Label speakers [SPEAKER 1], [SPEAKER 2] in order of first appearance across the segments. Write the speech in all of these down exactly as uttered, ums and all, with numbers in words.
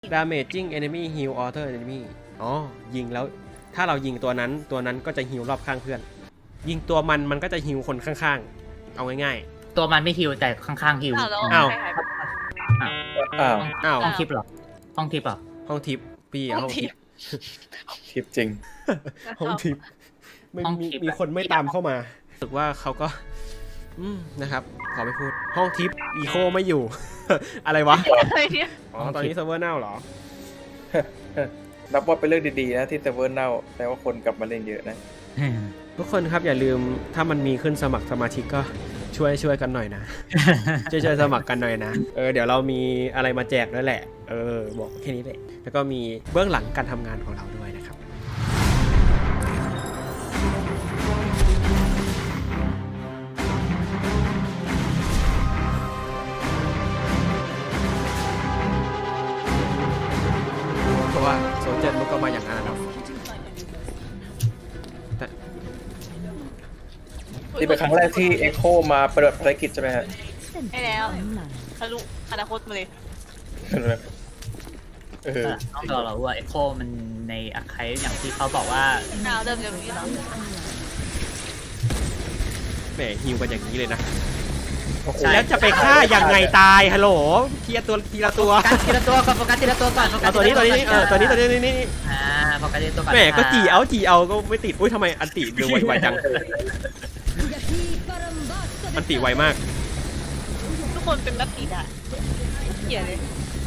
[SPEAKER 1] damaging enemy heal other enemy อ๋อยิงแล้วถ้าเรายิงตัวนั้นตัวนั้นก็จะฮิวรอบข้างเพื่อนยิงตัวมันมันก็จะฮิวคนข้างๆเอาง่าย
[SPEAKER 2] ๆตัวมันไม่ฮิวแต่ข้างๆฮิว
[SPEAKER 1] อ้าว
[SPEAKER 3] อ้าว
[SPEAKER 1] อ้าว
[SPEAKER 2] ห้องทิปเหรอห้องทิปเหรอ
[SPEAKER 1] ห้องทิปพี่ห้องทิป
[SPEAKER 3] ทิปจริง
[SPEAKER 1] ห้องทิปไม่มีมีคนไม่ตามเข้ามารู้สึกว่าเขาก็อืมนะครับขอไม่พูดห้องทิปอีโคไม่อยู่ อะไรวะอ๋อตอนนี้เซิร์ฟเวอร์เน่าเหรอ
[SPEAKER 3] นับว่าเป็นเรื่องดีๆนะที่เซิร์ฟเวอร์เน่าแต่ว่าคนกลับมาเล่นเยอะนะ
[SPEAKER 1] ทุกคนครับอย่าลืมถ้ามันมีขึ้นสมัครสมาชิกก็ช่วยช่วยกันหน่อยนะ ช่วยช่วยสมัครกันหน่อยนะเออเดี๋ยวเรามีอะไรมาแจกด้วยแหละเออบอกแค่นี้แหละแล้วก็มีเบื้องหลังการทำงานของเราด้วยนะครับเพราะว่าโซเจนมันก็มาอย่างนั้นนะแต่
[SPEAKER 3] นี่เป็นครั้งแรกที่เอ็กโคมาปฏิบัติภารกิจใช่ไหมฮะ
[SPEAKER 4] ใช่แล้วทะลุอนาคตมาเลย
[SPEAKER 3] เออ
[SPEAKER 2] ต้องรอเราว่าเอ็กโคมันในอาคายอย่างที่เขาบอกว่า
[SPEAKER 4] ดาวเริ่มเร็วนี้แล้ว
[SPEAKER 1] แหมฮิวกันอย่างนี้เลยนะ
[SPEAKER 3] โอ้โห
[SPEAKER 1] แล้วจะไปฆ่ายังไงตายฮัลโหลเทียตัวทีละตัว
[SPEAKER 2] โฟกัสทีละตัวก่อนโฟกัสทีละตัวก่อนโฟกั
[SPEAKER 1] เอา
[SPEAKER 2] ส
[SPEAKER 1] ตัวนี้ตัวนี้เออตัวนี้ตัวนี้นี่นี่
[SPEAKER 2] อ่าโฟกัสทีละตัวก่อน
[SPEAKER 1] แหมก็จีเอาจีเอาก็ไม่ติดอุ้ยทำไมอันติเร็วไวจังอันติไวมาก
[SPEAKER 4] ทุกคนเป็นนักกีฬาเขียเลย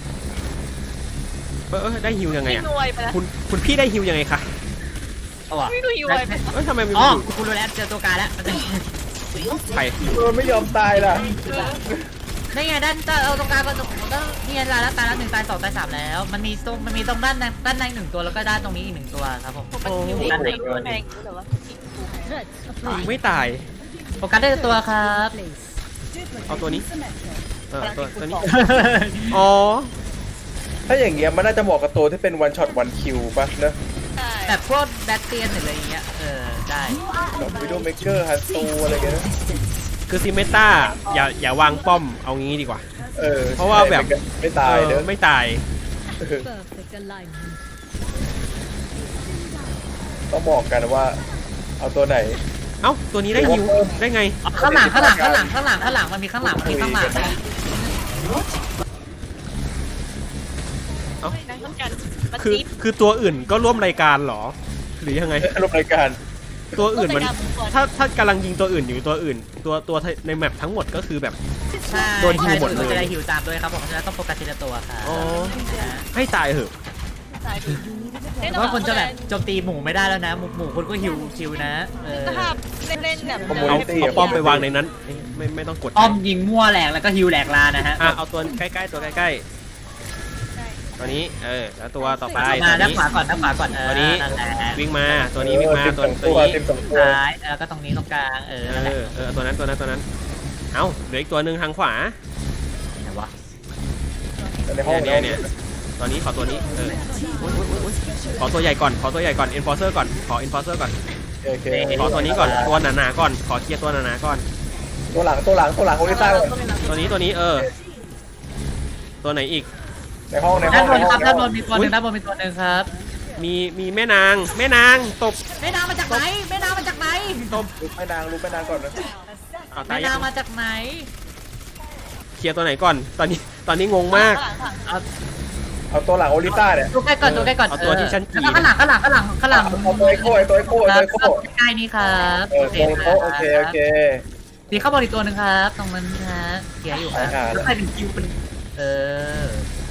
[SPEAKER 1] เออเออได้ฮิวยังไง
[SPEAKER 4] ไม่
[SPEAKER 1] อ่ะ
[SPEAKER 4] รวยไปแล้ว
[SPEAKER 1] คุณคุณพี่ได้ฮิวยังไงคะ
[SPEAKER 2] เอาว่ะ
[SPEAKER 4] ไม่รวยรวยไป
[SPEAKER 1] เอ้ยทำไมมัน
[SPEAKER 2] อ๋อ
[SPEAKER 1] อยู่
[SPEAKER 2] คุณรู้แล้วเจอตัวการแล้ว
[SPEAKER 1] ใคร
[SPEAKER 3] เออไม่ยอมตายล่ะ
[SPEAKER 2] นี่ไงด้านเอาตรงกลางก็ตรงก็นี่ไงตายแล้วตายแล้วหนึ่งตายสองตายสามแล้วมันมีตรงมันมีตรงด้านในด้านในหนึ่งตัวแล้วก็ด้านตรงนี้อีกหนึ่งตัวครับผม
[SPEAKER 4] ผมมันอยู่ที่ไหนแพงหรือว่า
[SPEAKER 1] ยิงไม่ตาย
[SPEAKER 2] โฟกัสได้ตัวครับ
[SPEAKER 1] เอาตัวนี้เออตัวตัวนี้อ๋อ
[SPEAKER 3] ถ้าอย่างเงี้ยมันน่าจะเหมาะกับตัวที่เป็นวันช็อตวันคิวป่ะเนอะ
[SPEAKER 4] ใช่
[SPEAKER 2] แบบพวกแบทเตียนหรืออะไรอย่างเงี้ยเออได้
[SPEAKER 3] แบบวิดีโอเมเกอร์ฮันตูอะไรเงี้ยนะ
[SPEAKER 1] คือซิเมตาอย่าอย่าวางป้อมเอางี้ดีกว่า
[SPEAKER 3] เออ
[SPEAKER 1] เพราะว่าแบบ
[SPEAKER 3] ไม่ตาย
[SPEAKER 1] เอ
[SPEAKER 3] เน
[SPEAKER 1] อ
[SPEAKER 3] อะ
[SPEAKER 1] ไม่ตาย
[SPEAKER 3] เออต้องบอกกันว่าเอาตัวไหน
[SPEAKER 1] เอ้าตัวนี้ได้ฮิวได้ไง
[SPEAKER 2] ข้างหลังข้างหลังข้างหลังข้างหลังข้างหลังมันมีข้างหลังมันมีข้างหลัง
[SPEAKER 1] เอ้า
[SPEAKER 4] นั่งต้องกันมา
[SPEAKER 1] คือ
[SPEAKER 4] จีบ
[SPEAKER 1] คือตัวอื่นก็ร่วมรายการเหรอ หรือยังไง
[SPEAKER 3] รูปรายการ
[SPEAKER 1] ตัวอื่นมันถ้าถ้ากำลังยิงตัวอื่นอยู่ตัวอื่น ตัวตัวในแมปทั้งหมดก็คือแบบ
[SPEAKER 2] ใช่
[SPEAKER 1] โดนฮิวหมดเลย
[SPEAKER 2] จะได้ฮิวตามด้วยครับผมฉะนั้นต้องโฟกัสทีละตัวค่ะ
[SPEAKER 1] อ๋อให้ตายเหอะ
[SPEAKER 4] สายดี
[SPEAKER 2] เพราะว่าคนจะแบบโจมตีหมูไม่ได้แล้วนะหมูหมูคุณก็ฮิวฮิวนะเออ
[SPEAKER 4] ถ้าเล่นๆแบบ
[SPEAKER 1] เอาเอาป้อมไปวางในนั้นไม่ไม่ต้องกด
[SPEAKER 2] อ้อมยิงมั่วแหลกแล้วก็ฮิวแหลกลานะฮะ
[SPEAKER 1] อ่ะเอาตัวใกล้ๆตัวใกล้ๆตัวนี้เออแล้วตัวต่อไป
[SPEAKER 2] มา
[SPEAKER 1] ตัว
[SPEAKER 2] ด้าน
[SPEAKER 1] นี้
[SPEAKER 2] ขวาก่อนด้านขวาก่อนเออ
[SPEAKER 1] ตัวนี้
[SPEAKER 2] นั่นแหละ
[SPEAKER 1] วิ่งมาตัวนี้วิ่งมา
[SPEAKER 3] เออ
[SPEAKER 1] ตัว
[SPEAKER 3] สิบสอง
[SPEAKER 1] ตัว
[SPEAKER 3] ตัว
[SPEAKER 1] นี้
[SPEAKER 3] สิบสองตัว
[SPEAKER 2] ซ้ายแล้วก็ตรงนี้ตรงกลางเออ
[SPEAKER 1] เอ
[SPEAKER 2] นั่นแหละ
[SPEAKER 1] อเออตัวนั้นตัวนั้นตัวนั้นเอ้าเหลืออีกตัวหนึ่งทางขวา
[SPEAKER 2] ไหนวะ
[SPEAKER 3] ในห้อง
[SPEAKER 1] เนี่ยเนี่ยตอนนี้ขอตัวนี้เอออุ๊ยอุ๊ยอุ๊ยอุ๊ยขอตัวใหญ่ก่อนขอตัวใหญ่ก่อน enforcer ก่อนขอ enforcer ก่อน
[SPEAKER 3] โอเค
[SPEAKER 1] ขอตัวนี้ก่อนตัวหนาๆก่อนขอเคลียร์ตัวหนาๆก่อน
[SPEAKER 3] ตัวหลังตัวหลังตัวหลังโอลิต้าก่อน
[SPEAKER 1] ตัวนี้ตัวนี้เออตัวไหนอีก
[SPEAKER 3] ในห้องในห้
[SPEAKER 2] ด้า
[SPEAKER 3] อน ง
[SPEAKER 2] บนครับ
[SPEAKER 3] ใน
[SPEAKER 2] ด้านบ
[SPEAKER 3] ห้อน ง
[SPEAKER 2] มีตัวหนึ่งด้านบนมีตัวหนึ่งครับ
[SPEAKER 1] มีมีแม่นางแม่นางตบ
[SPEAKER 2] แม่นางมาจากไหนแม่นางมาจากไหน
[SPEAKER 1] ตบ
[SPEAKER 3] ลุกแม่นางลุกแม่นางก่อนนะ
[SPEAKER 1] เอาตา
[SPEAKER 2] แม่
[SPEAKER 1] ย
[SPEAKER 2] นางมาจากไหน
[SPEAKER 1] เคลียร์ตัวไหนก่อนตอนนี้ตอนนี้งงมาก
[SPEAKER 2] เอา
[SPEAKER 3] เอาตัวหลังโอลิต้าเนี่ย
[SPEAKER 2] ดูใกล้ก่อนดูใกล้ก่อน
[SPEAKER 1] เอาตัวที่ฉันกรีด
[SPEAKER 2] แล้วก็ข้างหลังข้างหลังข้างหลังข้างหลัง
[SPEAKER 3] เอาตัวไอโค้ไอตัวไอโค้ไอ
[SPEAKER 2] ค
[SPEAKER 3] ตัว
[SPEAKER 2] รับ
[SPEAKER 3] ไอโค้
[SPEAKER 2] ใกล้นี่ครับ
[SPEAKER 3] เออตรงโต๊ะโอเคโอเค
[SPEAKER 2] ดีเข้าบอลอีกตัวหนึ่งครับตรงนั้นฮะเขียร์อยู่ครับ
[SPEAKER 3] อ่า
[SPEAKER 2] แล้วใครเป็นคิวเป็นเออ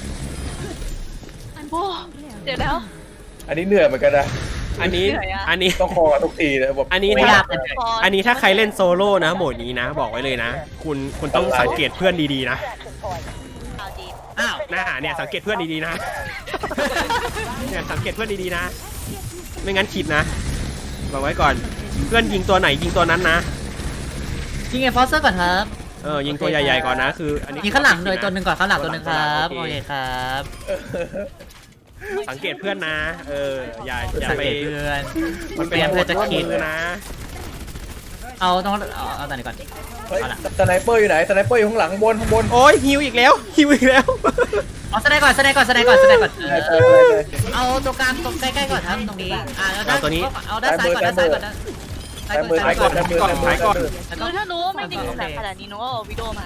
[SPEAKER 4] โอ้เดี๋ยวแล้ว
[SPEAKER 3] อันนี้เหนื่อยเหมือนกันนะ
[SPEAKER 1] อันนี้
[SPEAKER 4] เหนื่อยอะ
[SPEAKER 1] อันนี้
[SPEAKER 3] ต้องคอทุกทีเลยแบบ
[SPEAKER 1] อันนี้
[SPEAKER 2] ไม่
[SPEAKER 1] ถ้า
[SPEAKER 2] ยากเลย
[SPEAKER 1] อันนี้ถ้าใครเล่นโซโล่นะโหมดนี้นะ บอกไว้เลยนะ คุณคุณต้องสังเกตเพื่อนดีๆนะ
[SPEAKER 4] เอาจีบ
[SPEAKER 2] อ้าว
[SPEAKER 1] หน้าเนี่ยสังเกตเพื่อนดีๆนะ เนี่ยสังเกตเพื่อนดีๆนะ ไม่งั้นขิดนะบอกไว้ก่อนเพื่อนยิงตัวไหนยิงตัวนั้นนะ
[SPEAKER 2] ยิงไอ้ฟอสเซอร์ก่อนครับ
[SPEAKER 1] เออยิงตัวใหญ่ๆก่อนนะคืออันนี้
[SPEAKER 2] ยิงข้างหลังเลยตัวหนึ่งก่อนข้างหลังตัวหนึ่งครับ
[SPEAKER 1] โอ
[SPEAKER 2] โอ
[SPEAKER 1] เค
[SPEAKER 2] เคครับ
[SPEAKER 1] สังเกตเพื่อนนะ เอออย่าอย่า
[SPEAKER 2] สัง
[SPEAKER 1] ไป
[SPEAKER 2] เกตเพื่อน
[SPEAKER 1] มัน
[SPEAKER 2] เตรียมเพื่อจะคิด
[SPEAKER 1] มือนะ
[SPEAKER 2] เอาต้องเอาเอาตัวนี้ก่อน
[SPEAKER 3] เฮ้ย
[SPEAKER 2] เอาละ
[SPEAKER 3] สไนเปอร์อยู่ไหนสไนเปอร์อยู่ข้างหลังข้างบนข้างบน
[SPEAKER 1] โอ้ยฮิวอีกแล้วฮิวอีกแล้ว
[SPEAKER 2] เอาสไนก่อนสไนก่อนสไนก่อนสไนก่อนเอ
[SPEAKER 3] ใช่
[SPEAKER 2] อ
[SPEAKER 3] ใช่ใช่ใช่
[SPEAKER 2] เอาตัวกลางตรงใกล้ๆก่อนครับตรงนี้อ่าแล้วด้านเอาด้านซ้ายก่อนด้านซ้ายก่อนด้าน
[SPEAKER 3] ซ้ายมือซ้ายก่อนซ้ายมือซ้ายมือซ้ายมือ
[SPEAKER 4] คือถ้ารู้ว่าไม่ดีแบบขนาดนี้น้องก็เอาวิดีโอมา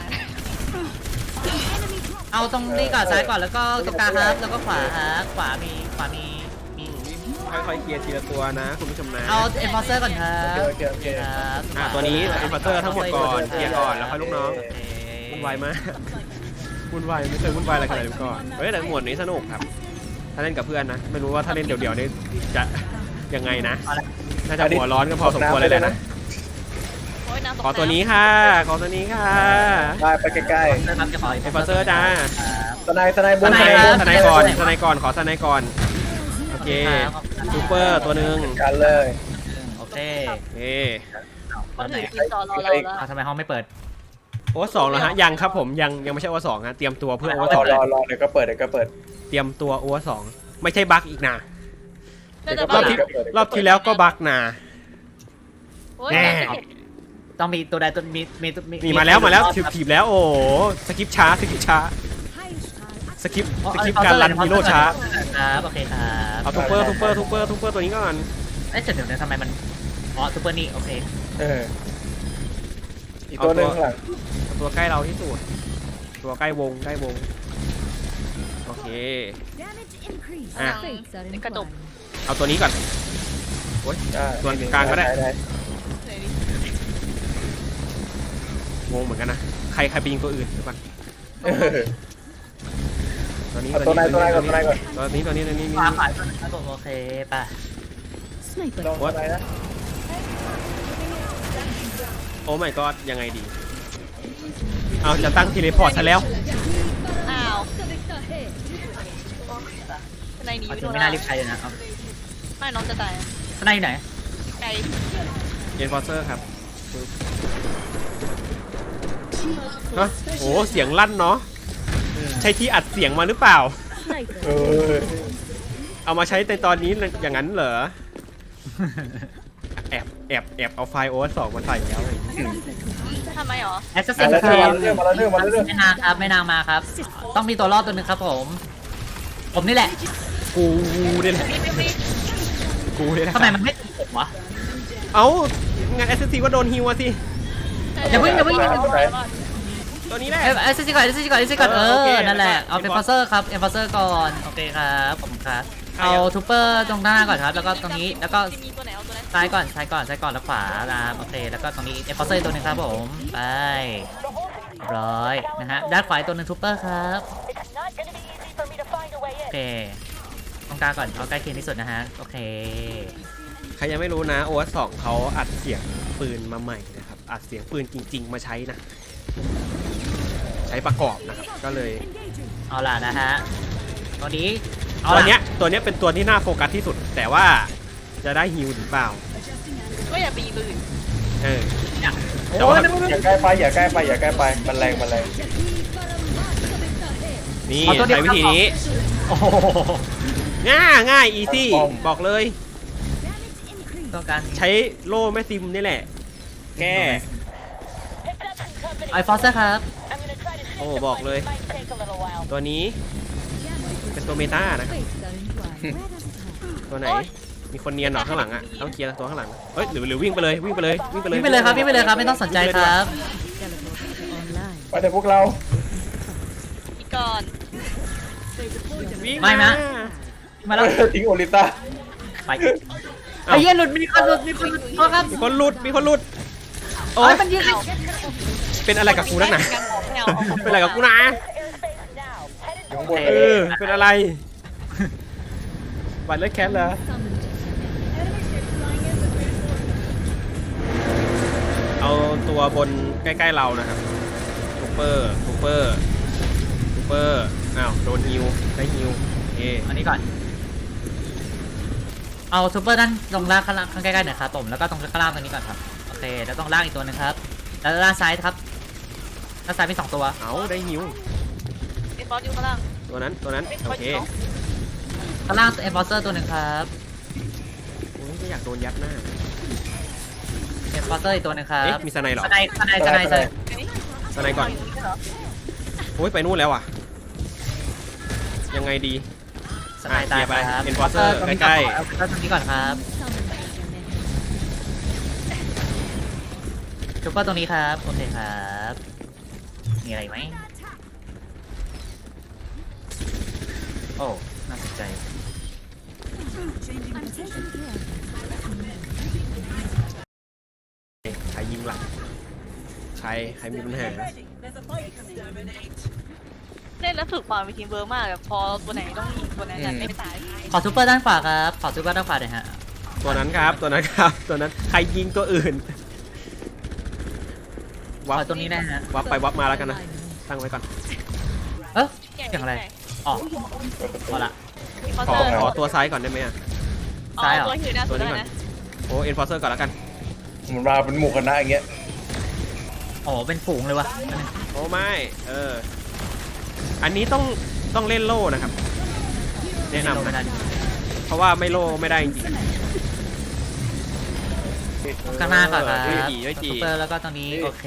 [SPEAKER 2] เอาตรงนี้ก่อนซ้ายก่อนแล้วก็ตรงกลางครับแล้วก็ขวาครับขวามีขวามีมี
[SPEAKER 1] ค่อยๆเคลียร์ทีละตัวนะคุณผู้ชมนะ
[SPEAKER 2] เอาเอ็นฟอร์เซอร์ก่อนครั
[SPEAKER 3] โอบ เคโอเคโอเค
[SPEAKER 2] ครับ
[SPEAKER 1] อ่ะตัวนี้อินฟัตเตอร์ทั้งหมดก่อนเคลียร์ก่อนแล้วค่อยลูกน้อง
[SPEAKER 2] โอเค
[SPEAKER 1] วุ่นวายมากวุ่นวายไม่เคยวุ่นวายอะไรขนาดนี้มาก่อนเฮ้ยแต่หมวดนี้สนุกครับ ถ้าเล่นกับเพื่อนนะ ไม่รู้ว่าถ้าเล่นเดี่ยวๆนี่จะยังไงนะ
[SPEAKER 2] เอาละ
[SPEAKER 1] น่าจะหัวร้อนกันพอสมควรเลยแหละนะ
[SPEAKER 4] โอ้ยน้ำตก
[SPEAKER 1] ขอตัวนี้ค่ะ ขอตัวนี้ค่ะ
[SPEAKER 3] ได้ไปใกล้
[SPEAKER 2] เริ่มครับจะขอ
[SPEAKER 1] เอฟเฟอร์เซอร์จ้า
[SPEAKER 3] ๆสไนสไนบน
[SPEAKER 2] สไน
[SPEAKER 3] สไน
[SPEAKER 2] ครับ
[SPEAKER 3] บน
[SPEAKER 1] สไนก่อนสไนก่อน ขอสไนก่อน โอเคซูเปอร์ตัวหนึ่ง
[SPEAKER 3] กันเลย
[SPEAKER 2] โอเค
[SPEAKER 1] โอเค
[SPEAKER 4] เขาถือกินต่อรอเราแล้ว
[SPEAKER 2] เอาทำไมห้องไม่เปิด
[SPEAKER 1] โอเวอร์สองแล้วฮะ ยังครับผม ยังยังไม่ใช่โอเวอร์สองฮะ เตรียมตัวเพื่อโอเวอร์
[SPEAKER 3] ร
[SPEAKER 1] ส
[SPEAKER 3] อ
[SPEAKER 1] อง
[SPEAKER 3] รอรอเดี๋ยวก็เปิดเดี๋ยวก็เปิด
[SPEAKER 1] เตรียมตัวโอเวอร์สองไม่ใช่บั๊กอีกนะ
[SPEAKER 4] น่าจะ
[SPEAKER 1] ร
[SPEAKER 4] บ้า
[SPEAKER 1] อบที่รอบที่แล้วก็บั๊กนะ
[SPEAKER 4] โอ้ย
[SPEAKER 1] แน่
[SPEAKER 2] ต้องมีตัวใดตัวมีมีตัว
[SPEAKER 1] มีมาแล้วมาแล้วถีบถีบแล้วโอ้โหสกิปช้าสกิปช้าสกิปสกิปการรันฮีโร่ช้า
[SPEAKER 2] ครับโอเคครับ
[SPEAKER 1] เอาทูเปอร์ทูเปอร์ทูเปอร์ทูเปอร์ตัวนี้ก่อน
[SPEAKER 2] เอ้ยเดี๋ยวเดี๋ยวทำไมมันอ๋อซูเปอร์นี่โอเค
[SPEAKER 3] เอออีกตัวหนึ่งข้างหลัง
[SPEAKER 1] ตัวใกล้เราที่สุดตัวใกล้วงใกล้วงโอเค อ่ะ
[SPEAKER 4] กระจก
[SPEAKER 1] เอาตัวนี้ก่อน
[SPEAKER 3] ได้
[SPEAKER 1] ส่วนกลางก็ได้
[SPEAKER 3] ได้
[SPEAKER 1] งงเหมือนกันนะใครใครไปยิงตัวอื่นเดี๋ยวก่อน
[SPEAKER 3] เออ
[SPEAKER 1] ตัวนี้
[SPEAKER 3] เอาตัวไหนตัวไหนก่อนตัวไหนก่อน
[SPEAKER 1] ตัวนี้ตัวนี้ตัวนี้
[SPEAKER 2] ขวาขวาครับผมโอเคป่ะ
[SPEAKER 3] ลองตัวไหนนะ
[SPEAKER 1] โอ้ my god ยังไงดี เอาจะตั้งทีเลพอร์ตซะแล้ว
[SPEAKER 4] อ้าวในนี้
[SPEAKER 2] เอา
[SPEAKER 4] วิ
[SPEAKER 2] จริ
[SPEAKER 4] ดี
[SPEAKER 2] ง
[SPEAKER 4] โอ
[SPEAKER 2] ไม่น่ารีบใช้เลยนะเอา
[SPEAKER 4] ไม่น้องจะตาย
[SPEAKER 2] ข้างในอยู่ไหน
[SPEAKER 4] ไกล
[SPEAKER 1] เอ็นฟอร์เซอร์ครับฮะโอ้เสียงลั่นเนาะใช้ที่อัดเสียงมาหรือเปล่า
[SPEAKER 3] เออ
[SPEAKER 1] เอามาใช้ในตอนนี้อย่างนั้นเหรอ แอบแอบแอบเอาไฟล์โอเวอร์สองมาใส่แล้วอะไรอย่างงี้
[SPEAKER 4] ทำไมหรอ
[SPEAKER 2] แอสซัสซิ
[SPEAKER 3] มาน แล้ว
[SPEAKER 2] ครี
[SPEAKER 3] เรื่องมาแล้วเรื่องมาแล้วเรื่อง
[SPEAKER 2] ไม่นานครับไม่นานมาครับ ต้องมีตัวรอดตัวหนึ่งครับผม ผมนี่แหละ
[SPEAKER 1] กูนี่แหละ
[SPEAKER 4] ไม่ไม่ไม่
[SPEAKER 1] กูนี่แหละ
[SPEAKER 2] ทำไมมันไม่ติดผมวะ
[SPEAKER 1] เอ้างานแอสซิสก็โดนฮิวอะสิ
[SPEAKER 2] อย่าเพิ่งอย่าเพิ่ง
[SPEAKER 1] ตัวนี้แหละ
[SPEAKER 2] เอเอสซีก่อนเอสซีก่อนเอสซีก่อนเอ
[SPEAKER 1] เออโอเค
[SPEAKER 2] อนั่นแหละเอา
[SPEAKER 1] เอ็
[SPEAKER 2] เป็น
[SPEAKER 1] น
[SPEAKER 2] ฟ
[SPEAKER 1] ฟ
[SPEAKER 2] อ
[SPEAKER 1] อร์
[SPEAKER 2] ร์เซอร์ครับเอ็นฟอร์เซอร์ก่อนโอเคครับผมครับเอาทูเปอร์ตรงหน้าก่อนครับแล้วก็ตรงนี้แล้วก็
[SPEAKER 4] มีตัวไหนเอาตัวไหน
[SPEAKER 2] ซ้ายก่อนซ้ายก่อนซ้ายก่อนแล้วขวานะครับโอเคแล้วก็ตรงนี้เอ็นฟอร์เซอร์ตัวหนึงครับผมไปร้อยนะฮะด้านขวาอีกตัวหนึงทูเปอร์ครับโอเคตรงกลางก่อนเอาใกล้เคียงที่สุดนะฮะโอเค
[SPEAKER 1] ใครยังไม่รู้นะโอเวอร์สองเขาอัดเสียงปืนมาใหม่นะครับอัดเสียงปืนจริง ๆ มาใช้นะ ใช้ประกอบนะครับก็เลย
[SPEAKER 2] เอาล่ะนะฮะตัวนี้เอา
[SPEAKER 1] ตัว
[SPEAKER 2] ล่ะ
[SPEAKER 1] เนี้ยตัวเนี้ยเป็นตัวที่น่าโฟกัสที่สุด แต่ว่าจะได้ฮิวหรือเปล่า
[SPEAKER 4] ก็อย่าไปยิงตัวอื่น
[SPEAKER 1] เออ
[SPEAKER 2] เนี่ย
[SPEAKER 1] แต่
[SPEAKER 2] โอ้
[SPEAKER 1] ว่า
[SPEAKER 2] ยไม่ไม่ไม่
[SPEAKER 3] อย่าใกล้ไปอย่าใกล้ไปอย่าใกล้ไปมันแรงมันแรง
[SPEAKER 1] นี่
[SPEAKER 2] เอาตัวเดียว
[SPEAKER 1] ใช้วิธีนี้
[SPEAKER 2] โอ้โห
[SPEAKER 1] ง่ายง่ายอีซี่บอกเลย
[SPEAKER 2] ต้องการ
[SPEAKER 1] ใช้โล่แม่ซิมนี่แหละ แก้
[SPEAKER 2] ไอฟอร์เซอร์ครับ
[SPEAKER 1] โอ้บอกเลย ตัวนี้ เป็นตัวเมตานะ ตัวไหน มีคนเนียนหรอข้างหลังอ่ะต้องเคลียร์ตัวข้างหลังเฮ้ยหรือหรือวิ่งไปเลยวิ่งไปเลยวิ่งไปเลย
[SPEAKER 2] วิ่งไปเลยครับวิ่งไปเลยครับไม่ต้องสนใจครับ
[SPEAKER 3] ไปเถอะพวกเรา
[SPEAKER 4] อีกก่อน
[SPEAKER 1] วิ่ง
[SPEAKER 2] ไม่นะ มาแล้ว
[SPEAKER 3] ทิ้งโอลิต้า
[SPEAKER 2] ไปไอ้เหี้ยหลุดมีคนหลุดมีคนหลุดโทษครับ
[SPEAKER 1] มีคนหลุดมีคนหลุดโอ้
[SPEAKER 2] โอ้
[SPEAKER 1] ย
[SPEAKER 2] ยมันยืน
[SPEAKER 1] เป็นอะไรกับกูนักหนา
[SPEAKER 4] ไม่เอา
[SPEAKER 1] เป็นอะไรกับกูนะ
[SPEAKER 3] อยู่ข้างบน
[SPEAKER 1] เออเป็นอะไรบัตรเลือดแคทเหรอเอาตัวบนใกล้ๆเรานะครับซูเปอร์ซูเปอร์ซูเปอร์อ้าวโดนฮิวได้ฮิวโอเค
[SPEAKER 2] อันนี้ก่อนเอาซูเปอร์ด้านตรงล่างข้างล่างข้างใกล้ๆหน่อยครับผมแล้วก็ตรงข้างล่างตรงนี้ก่อนครับโอเคแล้วตรงล่างอีกตัวหนึงครับแล้วด้านซ้ายครับด้านซ้ายมีสองตัว
[SPEAKER 1] เอาได้ฮิว
[SPEAKER 4] ไอ้บอสอยู่ข้างล่าง
[SPEAKER 1] ตัวนั้นตัวนั้น
[SPEAKER 4] ไอ้บ
[SPEAKER 1] โอ
[SPEAKER 4] อสอ
[SPEAKER 1] เค
[SPEAKER 4] ยู่
[SPEAKER 2] ข้างล่างเอ็นฟอร์เซอร์ตัวหนึ่งครับ
[SPEAKER 1] โอ้ยไม่อยากโดนยัดหน้า
[SPEAKER 2] เอ็นฟอร์เซอร์อีกตัวหนึงครับ
[SPEAKER 1] เอ๊ะมีสไนเหรอ
[SPEAKER 2] สไนสไนสไนสไน
[SPEAKER 4] อันนี้
[SPEAKER 1] สไนก่อนโอ้ยไปนู่นแล้วอ่ะยังไงดี
[SPEAKER 2] สไนตาย
[SPEAKER 1] ไป
[SPEAKER 2] ครับ
[SPEAKER 1] Enforcer ใกล้ๆ
[SPEAKER 2] เอาเอาตรงนี้ก่อนครับจุ๊บก็ตรงนี้ครับโอเคครับมีอะไรไหมโอ้น่าสนใจ
[SPEAKER 1] ใครยิงหลังใครใครมีปัญหา
[SPEAKER 4] เล่นแล้วฝึกความเป็นทีมเวิร์กมากแบบพอตัวไหนต้องยิงตัวนั้นจะไม่ตาย
[SPEAKER 2] ขอซูเปอร์ด้านขวาครับขอซูเปอร์ด้านขวาหน่อยฮะ
[SPEAKER 1] ตัวนั้นครับตัวนั้นครับตัวนั้นใครยิงตัวอื่น
[SPEAKER 2] ข
[SPEAKER 1] วั
[SPEAKER 2] อบ ตรงนี้นะฮะ
[SPEAKER 1] วับไปวับมาแล้วกันนะตั้งไว้ก่อน
[SPEAKER 2] เอ๊ะเสียงอะไรอ๋อพอละ
[SPEAKER 4] คอ
[SPEAKER 1] ขอ
[SPEAKER 4] เตอร์
[SPEAKER 1] ขอตัวซ้ายก่อนได้ไหมอ่ะ
[SPEAKER 2] ซ้ายเหรอ
[SPEAKER 4] ตัวหิวหน้าสุดแล้วนะ
[SPEAKER 1] โอ้เอ็นฟอร์เซอร์ก่อนแล้วกัน
[SPEAKER 3] มันมาเป็นหมู่คณะอย่างเงี้ย
[SPEAKER 2] โอ้เป็นฝูงเลยวะ
[SPEAKER 1] โอ้ไม่เอออันนี้ต้องต้องเล่นโล่นะครับแนะนำ
[SPEAKER 2] ไม่ได้
[SPEAKER 1] เพราะว่าไม่โล่ไม่ได้จริง
[SPEAKER 2] ข้างหน้าก่อนครับ
[SPEAKER 1] ด้วยจีด้วยจี
[SPEAKER 2] ซูเปอร์แล้วก็ตรงนี้โอเค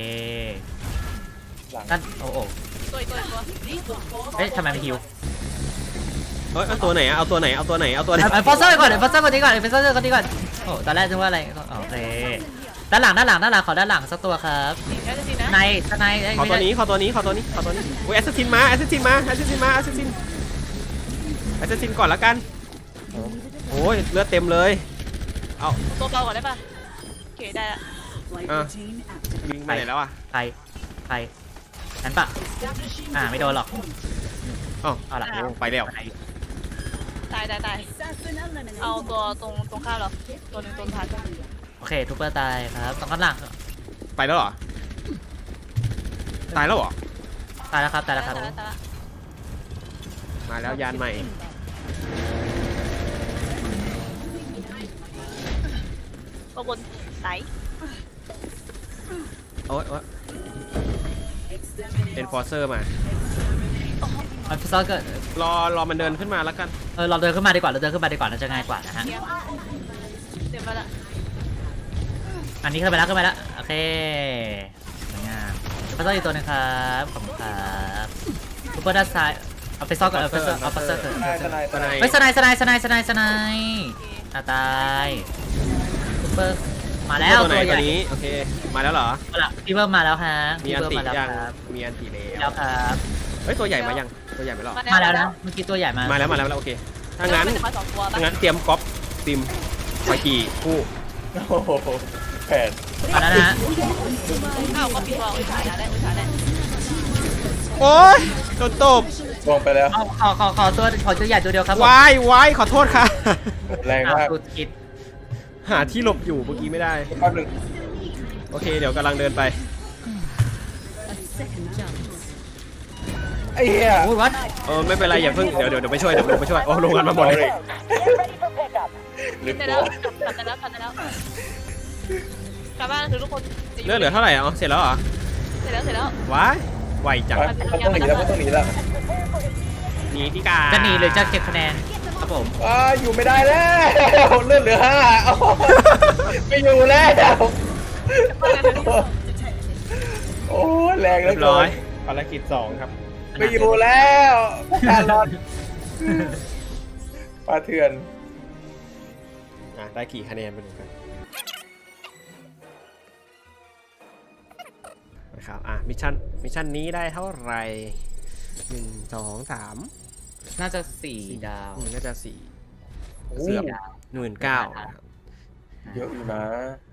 [SPEAKER 3] หลัง
[SPEAKER 2] นั่นโอ้โห
[SPEAKER 4] ตัวอีกตัวอีกตัว
[SPEAKER 2] เอ๊ะทำไมไม่ฮิว
[SPEAKER 1] เอ้ยเอาตัวไหนอะเอาตัวไหนเอาตัวไหนเอาตัวไหน
[SPEAKER 2] เอ็นฟอร์เซอร์ก่อนเอ็นฟอร์เซอร์คนนี้ก่อนเอ็นฟอร์เซอร์คนนี้ก่อนโอ้ตอนแรกนึกว่าอะไรโอเคด้านหลังด้านหลังด้านหลังขอด้านหลังสักตัวครับ
[SPEAKER 4] แค่จะสินะ
[SPEAKER 2] ในใน
[SPEAKER 1] ขอตัวนี้ขอตัวนี้ขอตัวนี้ขอตัวนี้โอ้ยแอสซัสซินมาแอสซัสซินมาแอสซัสซินมาแอสซัสซินแอสซัสซินก่อนแล้วกันโอ้ยเลือดเต็มเลยเอา
[SPEAKER 4] ตัวเบาก่อนได้ป่ะโอเคได้ละ
[SPEAKER 1] อ่ะยิงไปไหนแล้วอ่ะ
[SPEAKER 2] ใครใครฉันปะอ่าไม่โดนหรอก
[SPEAKER 1] อ๋อ
[SPEAKER 2] เอาละ
[SPEAKER 1] โอ้ไปแล้ว
[SPEAKER 4] ตายตายตายเอาตัวตรงตรงข้ามเราตัวหนึ่งตัวท้าย
[SPEAKER 2] โอเคทูเปอร์ตายครับตรงข้างหลัง
[SPEAKER 1] ไปแล้วเหรอตายแล้วเหรอ
[SPEAKER 2] ตายแล้วครับตายแล้วครับ
[SPEAKER 4] ตายตาย
[SPEAKER 1] มาแล้วยานใหม่
[SPEAKER 4] ตัวบนไหน
[SPEAKER 1] โอ้ยโอ้ยเอ็นฟอร์เซอร์มา
[SPEAKER 2] อันฟิซอลเกิด
[SPEAKER 1] รอรอมันเดินขึ้นมาแล้วกัน
[SPEAKER 2] เออเราเดินขึ้นมาดีกว่าเราเดินขึ้นมาดีกว่าน่าจะง่ายกว่านะฮะ
[SPEAKER 4] เทียมเต็มมาละ
[SPEAKER 2] อันนี้ขึ้นไปแล้วขึ้นไปแล้วโอเคสวยงามฟิซอลอีกตัวหนึงครับขอบคุณครับทูเปอร์ด้านซ้ายเอาฟิซอลก่อนเอาฟิซอลเอาฟิซอลเกิด
[SPEAKER 3] ทนายทนาย
[SPEAKER 1] สไน
[SPEAKER 2] เฮ้ยสไนสไนสไนสไนสไนตาตายทูเปอร์มาแล้ว
[SPEAKER 1] ตัวไหน
[SPEAKER 2] ตัวให
[SPEAKER 1] ตัว
[SPEAKER 2] ญ่
[SPEAKER 1] นี้โอเคมาแล้วเหรอ
[SPEAKER 2] เอาล่ะพี่เบิร์มาแล้วฮะ
[SPEAKER 1] มี
[SPEAKER 2] พี่
[SPEAKER 1] อัน
[SPEAKER 2] เบิร์
[SPEAKER 1] ติ
[SPEAKER 2] มาแล้ว
[SPEAKER 1] ยัง
[SPEAKER 2] ครับ
[SPEAKER 1] มีอันติแล้
[SPEAKER 2] แล้ว วครับ
[SPEAKER 1] เฮ้ยตัวใหญ่มายังตัวใหญ่ไม่หรอ
[SPEAKER 2] มาแล้วนะเมื่อกี้ตัวใหญ่มา
[SPEAKER 1] มาแล้วมาแล้วมาแล้วโอเคถ้างั้น
[SPEAKER 4] มาสองตัว
[SPEAKER 1] ถ้างั้นเตรียมก๊อปซิมไวกี่คู่
[SPEAKER 3] โอ้โหแผน
[SPEAKER 2] มาแล้วนะฮะ
[SPEAKER 4] อ้าวก็ปิดวอลอุตส่าห์ได้อุตส่าห์ได้
[SPEAKER 1] โอ้ยโดนตบ
[SPEAKER 3] ลงไปแล้ว
[SPEAKER 2] เอาขอขอขอตัวขอตัวใหญ่ตัวเดียวครับผม
[SPEAKER 1] วายวายขอโทษค่ะ
[SPEAKER 3] แรง
[SPEAKER 2] อ้าว
[SPEAKER 3] มาก
[SPEAKER 2] สุดคิด
[SPEAKER 1] หาที่หลบอยู่เมื่อกี้ไม่ได้
[SPEAKER 3] แป๊บหนึง
[SPEAKER 1] โอเคเดี๋ยวกำลังเดินไป
[SPEAKER 3] ไอ้เหี้ย
[SPEAKER 2] โอ้ยวัด
[SPEAKER 1] เออไม่เป็นไรอย่าเพิ่งเดี๋ยวเดี๋ยวเดี๋ยวไปช่วยเดี๋ยวผมไปช่วยโอ้ลงกันมาหมดเลย
[SPEAKER 3] หรือ
[SPEAKER 4] ได้
[SPEAKER 3] ตั
[SPEAKER 4] แล้ว วกลับได้แล้วกลับได้แล้วกลับบ้านคือทุกคน
[SPEAKER 1] เลือดเหลือเท่าไหร่อ๋อเสร็จแล้วเหรอ
[SPEAKER 4] เสร็จแล้วเสร็จแล้ว
[SPEAKER 1] วายไวจัง
[SPEAKER 3] มันต้องหนีแล้วมันต้องหนีแล้ว
[SPEAKER 1] หนีที่กา
[SPEAKER 2] จะหนีหรือจะเก็บคะแนนครับผม
[SPEAKER 3] อ่าอยู่ไม่ได้แล้วเลือดเหลือห้าโอ้โหไม่อยู่แล้วโอ้ยแรงเหลื
[SPEAKER 1] เรี
[SPEAKER 3] อย
[SPEAKER 1] บ
[SPEAKER 3] เกิ
[SPEAKER 1] ร้อย
[SPEAKER 3] น
[SPEAKER 1] ภารกิจสองครับ
[SPEAKER 3] ไม่อยู่แล้วการรอดปลาเถื่อน
[SPEAKER 1] อ่ะได้กี่คะแนนไปดูกันนะครับอ่ะมิชชั่นมิชชั่นนี้ได้เท่าไหร่หนึ่งสองสาม
[SPEAKER 2] น่าจะสี่ดาว
[SPEAKER 1] อืมน่าจะสี่
[SPEAKER 3] โอ้
[SPEAKER 1] เกือบ
[SPEAKER 2] ดาว
[SPEAKER 1] หมื่นเก้า
[SPEAKER 3] เยอะอยู่นะ